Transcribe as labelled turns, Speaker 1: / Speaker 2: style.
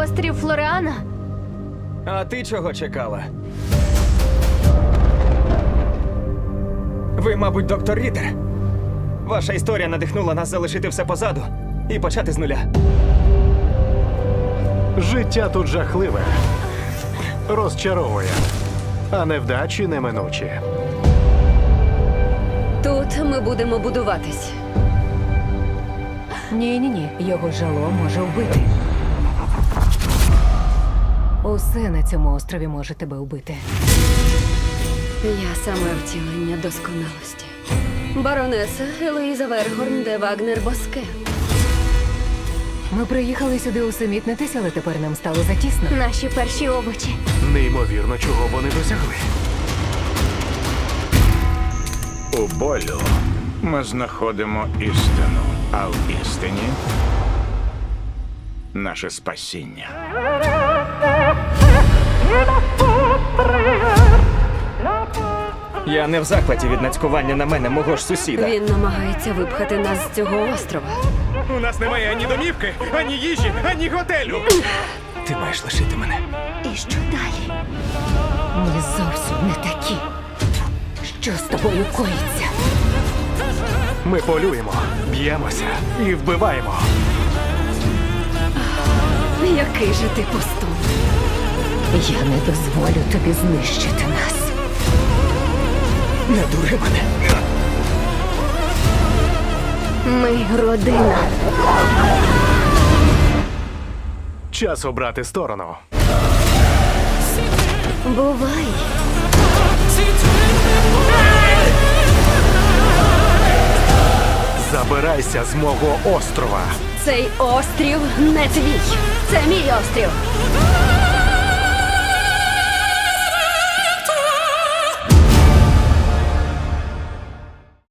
Speaker 1: острів Флореана?
Speaker 2: А ти чого чекала? Ви, мабуть, доктор Рітер. Ваша історія надихнула нас залишити все позаду і почати з нуля.
Speaker 3: Життя тут жахливе. Розчаровує. А невдачі неминучі.
Speaker 4: Тут ми будемо будуватись.
Speaker 5: Ні, його жало може вбити. Усе на цьому острові може тебе вбити.
Speaker 4: Я саме втілення досконалості. Баронеса Елоїза Вергорн де Вагнер Боске.
Speaker 5: Ми приїхали сюди усамітнитись, але тепер нам стало затісно.
Speaker 1: Наші перші овочі.
Speaker 3: Неймовірно, чого вони досягли.
Speaker 6: У болю ми знаходимо істину, а в істині наше спасіння.
Speaker 2: Я не в захваті від нацькування на мене мого ж сусіда.
Speaker 4: Він намагається випхати нас з цього острова.
Speaker 7: У нас немає ані домівки, ані їжі, ані готелю.
Speaker 2: Ти маєш лишити мене.
Speaker 1: І що далі?
Speaker 5: Ми зовсім не такі. Що з тобою коїться?
Speaker 3: Ми полюємо, б'ємося і вбиваємо.
Speaker 4: Який же ти пустун.
Speaker 5: Я не дозволю тобі знищити нас.
Speaker 2: Не дури мене.
Speaker 1: Ми родина.
Speaker 3: Час обрати сторону.
Speaker 1: Бувай.
Speaker 3: Забирайся з мого острова.
Speaker 4: Цей острів не твій. Це мій острів.